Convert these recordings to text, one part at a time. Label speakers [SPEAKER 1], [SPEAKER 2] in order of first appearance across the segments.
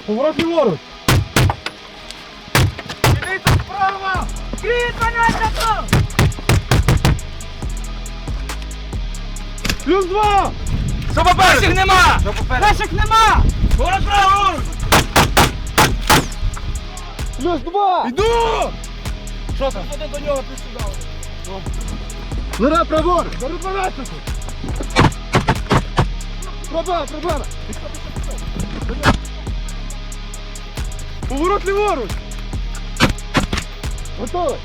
[SPEAKER 1] Поворот ліворуч.
[SPEAKER 2] Дивіться справа!
[SPEAKER 3] Кріт, 12!
[SPEAKER 1] Плюс 2.
[SPEAKER 2] Що попереду?
[SPEAKER 3] Наших нема!
[SPEAKER 2] Що попереду?
[SPEAKER 3] Наших нема!
[SPEAKER 2] Поворот праворуч!
[SPEAKER 1] Плюс 2.
[SPEAKER 2] Йду! Що там? Ходи до нього, ти сюди.
[SPEAKER 1] Лера, праворуч. Зараз 12. Проблема. Поворот ліворуч. Готовий.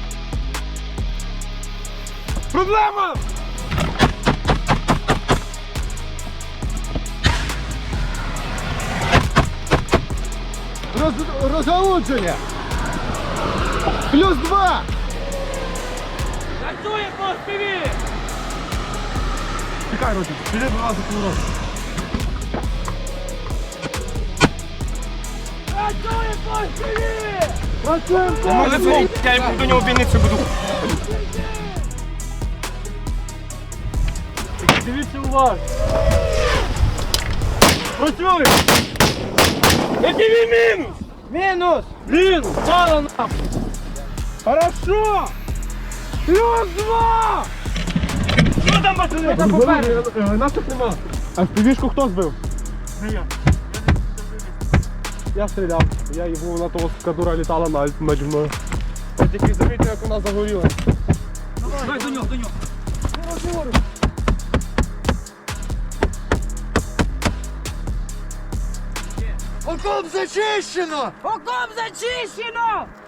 [SPEAKER 1] Проблема! Розгалудження. Плюс 2.
[SPEAKER 3] Працює по співі!
[SPEAKER 1] Чекай, Ротик, піди до нас за поворот.
[SPEAKER 3] Працює по співі!
[SPEAKER 1] Працюємо.
[SPEAKER 2] Телефон, я до нього бійницю буду.
[SPEAKER 1] Дивіться уважно. Працюй.
[SPEAKER 2] Який мінус?
[SPEAKER 3] Мінус!
[SPEAKER 1] Блин, мало нахуй. Хорошо. Плюс 2.
[SPEAKER 2] Що там, пацани?
[SPEAKER 3] Там попереду.
[SPEAKER 1] Нас тут нема. А впівішку хто збив?
[SPEAKER 2] Не я.
[SPEAKER 1] Я стріляв. Я його на того скадура літала наді мною. Я тільки замітив, як вона загоріла.
[SPEAKER 3] Давай до нього, до нього!
[SPEAKER 2] Окоп зачищено!
[SPEAKER 3] Окоп зачищено!